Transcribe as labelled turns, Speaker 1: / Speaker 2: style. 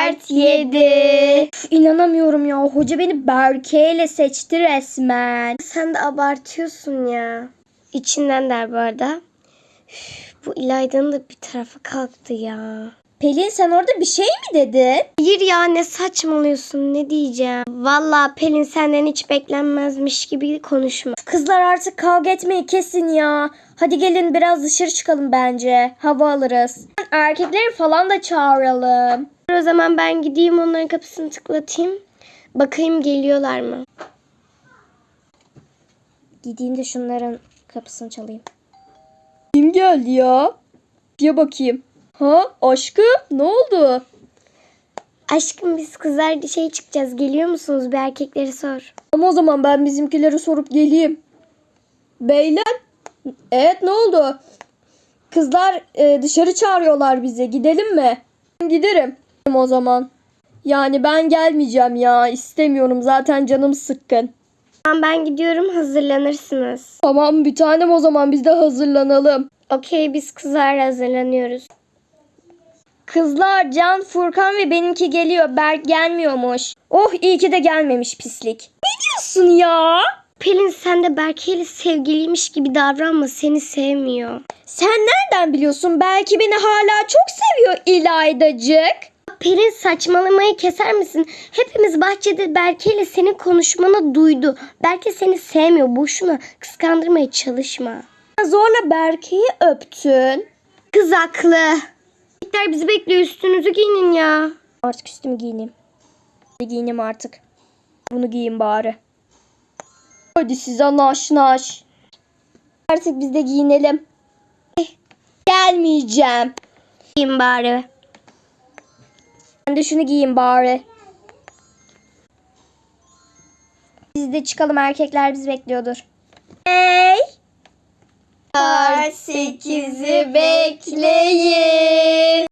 Speaker 1: 4, 7. İnanamıyorum ya. Hoca beni Berke ile seçti resmen.
Speaker 2: Sen de abartıyorsun ya. İçinden der bu arada. Bu İlayda'nın da bir tarafı kalktı ya.
Speaker 1: Pelin sen orada bir şey mi dedin?
Speaker 2: Hayır ya, ne saçmalıyorsun, ne diyeceğim. Vallahi Pelin senden hiç beklenmezmiş gibi konuşma.
Speaker 1: Kızlar artık kavga etmeyi kesin ya. Hadi gelin biraz dışarı çıkalım bence. Hava alırız. Erkekleri falan da çağıralım.
Speaker 2: O zaman ben gideyim onların kapısını tıklatayım. Bakayım geliyorlar mı?
Speaker 1: Gideyim de şunların kapısını çalayım. Kim geldi ya? Bir bakayım. Ha aşkım ne oldu?
Speaker 2: Aşkım biz kızlar dışarı çıkacağız. Geliyor musunuz? Bir erkekleri sor.
Speaker 1: Ama o zaman ben bizimkileri sorup geleyim. Beyler. Evet ne oldu? Kızlar dışarı çağırıyorlar bizi. Gidelim mi? Giderim o zaman. Yani ben gelmeyeceğim ya. İstemiyorum. Zaten canım sıkkın.
Speaker 2: Tamam ben gidiyorum, hazırlanırsınız.
Speaker 1: Tamam bir tanem o zaman biz de hazırlanalım.
Speaker 2: Okey, biz kızlar hazırlanıyoruz.
Speaker 1: Kızlar Can, Furkan ve benimki geliyor. Berk gelmiyormuş. Oh iyi ki de gelmemiş pislik. Ne diyorsun ya?
Speaker 2: Pelin sen de Berke ile sevgiliymiş gibi davranma, seni sevmiyor.
Speaker 1: Sen nereden biliyorsun? Belki beni hala çok seviyor İlaydacık.
Speaker 2: Pelin saçmalamayı keser misin? Hepimiz bahçede Berke ile senin konuşmanı duydu. Berke seni sevmiyor. Boşuna kıskandırmaya çalışma.
Speaker 1: Zorla Berke'yi öptün.
Speaker 2: Kız haklı. Erkekler bizi bekliyor, üstünüzü giyinin ya.
Speaker 1: Artık üstümü giyineyim. Giyineyim artık. Bunu giyin bari. Hadi size naş. Artık biz de giyinelim. Gelmeyeceğim.
Speaker 2: Giyin bari.
Speaker 1: Ben de şunu giyeyim bari. Biz de çıkalım, erkekler bizi bekliyordur. Hey!
Speaker 2: 8'i bekleyin.